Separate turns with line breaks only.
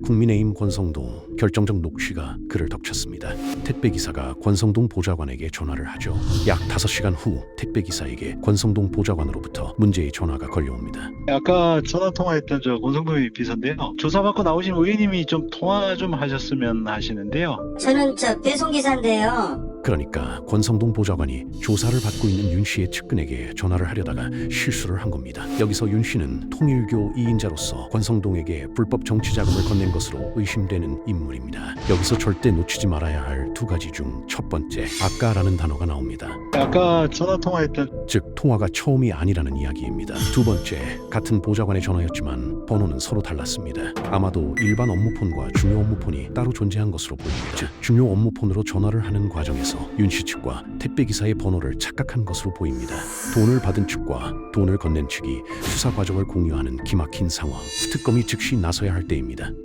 국민의힘 권성동 결정적 녹취가 그를 덮쳤습니다. 택배기사가 권성동 보좌관에게 전화를 하죠. 약 5시간 후 택배기사에게 권성동 보좌관으로부터 문제의 전화가 걸려옵니다.
아까 전화 통화했던 저 권성동 비서인데요. 조사받고 나오신 의원님이 좀 통화 좀 하셨으면 하시는데요.
저는 배송기사인데요.
그러니까 권성동 보좌관이 조사를 받고 있는 윤 씨의 측근에게 전화를 하려다가 실수를 한 겁니다. 여기서 윤 씨는 통일교 2인자로서 권성동에게 불법 정치 자금을 건넨 것으로 의심되는 인물입니다. 여기서 절대 놓치지 말아야 할 두 가지 중 첫 번째, 아까라는 단어가 나옵니다.
아까 전화 통화했던
즉 통화가 처음이 아니라는 이야기입니다. 두 번째, 같은 보좌관의 전화였지만 번호는 서로 달랐습니다. 아마도 일반 업무폰과 중요 업무폰이 따로 존재한 것으로 보입니다. 즉 중요 업무폰으로 전화를 하는 과정에서 윤 씨 측과 택배기사의 번호를 착각한 것으로 보입니다. 돈을 받은 측과 돈을 건넨 측이 수사 과정을 공유하는 기막힌 상황. 특검이 즉시 나서야 할 때입니다.